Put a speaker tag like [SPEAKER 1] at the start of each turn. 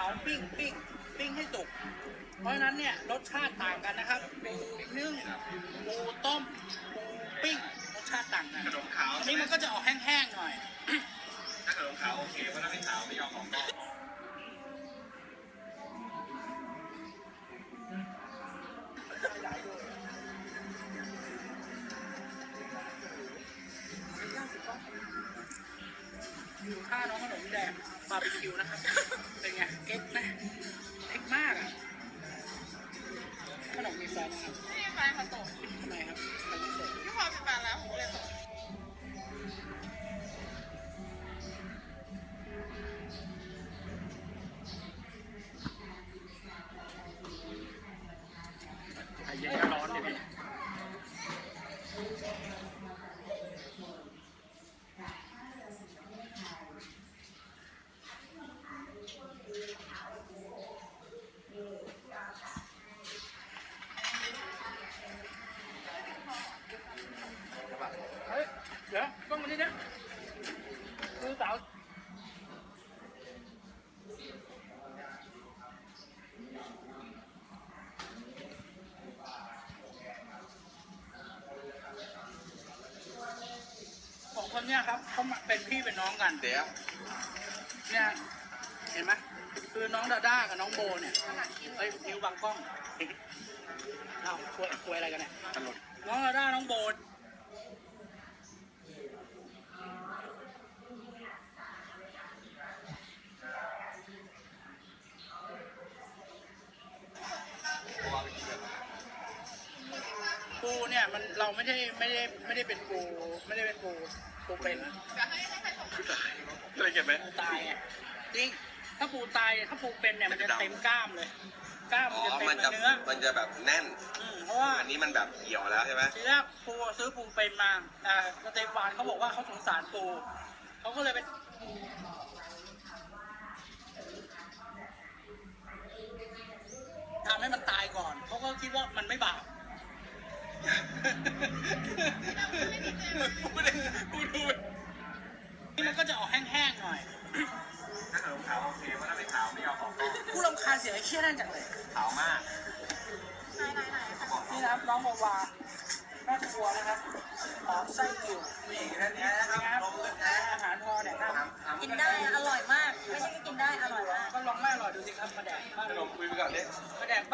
[SPEAKER 1] าปิ้งให้สุกเพราะฉะนั้นเนี่ยรสชาติต่างกันนะครับปูนึ่งปูต้มปูปิ้งรสชาติต่างกัน
[SPEAKER 2] ขนมขาว
[SPEAKER 1] อันนี้มันก็จะออกแห้งๆหน่อย
[SPEAKER 2] ถ้าขนมขาวโอเคเพราะถ้าไม่ขาวไม่ยอมของก็
[SPEAKER 1] ค่าน้องขนมแดงบาร์บีคิวนะครับ เป็นไงเอ็กนะเอ็กมากอ่ะขนมมีแฟนนะครับ
[SPEAKER 3] ไม่มีแฟนค่ะโสด
[SPEAKER 1] ทำไมครับใครไม่เสร็จ
[SPEAKER 3] พี่พอมีแฟนแล้วผมก็เลยโสด
[SPEAKER 1] ไอเย็นก็ร้อนเลยพี่เฮ้ยเดี๋ยวต้องมานี่นะคือสาวสองคนเนี่ยครับเขาเป็นพี่เป็นน้องกัน
[SPEAKER 2] เดี๋ยว
[SPEAKER 1] เนี่ยเห็นไหมคือน้องดาด้ากับน้องโบเนี่ยเอ้ยนิ้วบังกล้องเอ้าคุยอะไรกันเนี่ย
[SPEAKER 2] ตลก
[SPEAKER 1] น้องดาด้าน้องโบปูเนี่ยมันเราไม่ได้เป็นปูเป็น
[SPEAKER 3] จะให้ใครส่ง
[SPEAKER 2] อะไรเก็บไหม
[SPEAKER 1] ปูตายไงจริงถ้าปูตายถ้าปูเป็นเนี่ยมันจะเต็มกล้ามเลยกล้าม
[SPEAKER 2] อ๋
[SPEAKER 1] มัน
[SPEAKER 2] อ
[SPEAKER 1] จะเต็มเนื้อ
[SPEAKER 2] มันจะแบบแน่น
[SPEAKER 1] เพราะว่า
[SPEAKER 2] อันนี้มันแบบเหี่ยวแล้วใช่ไหม
[SPEAKER 1] ทีแรกปูซื้อปูเป็นมาสเตฟานเขาบอกว่าเขาสงสารปูเขาก็เลยไปทำให้มันตายก่อนเขาก็คิดว่ามันไม่บาปพูดดูนี่มันก็จะออกแห้งๆหน่อย
[SPEAKER 2] ถ้าขนมขาวโอเคเพราะถ้าไม่ขาวไม่ยอมของก็
[SPEAKER 1] ผู้รำคาญเสียงไอ้เชี่ยนั่นจังเลย
[SPEAKER 2] ขาวมาก
[SPEAKER 3] ไหน
[SPEAKER 1] นี่นะครับน้องโมวาแม่ครัวนะครับหอมไส้กิ่ว
[SPEAKER 2] นี่แค่นี้นะครับลงเลยนะ
[SPEAKER 1] อาหารพอเนี่ยครับ
[SPEAKER 3] กินได้อร่อยมาก ไม่ใช่กินได้อร่อยมาก
[SPEAKER 1] ก็ลองไม่อร่อยดูสิครับมาแดกบ้าน
[SPEAKER 2] ขนมคุยไปก่อนดิ
[SPEAKER 1] มาแดก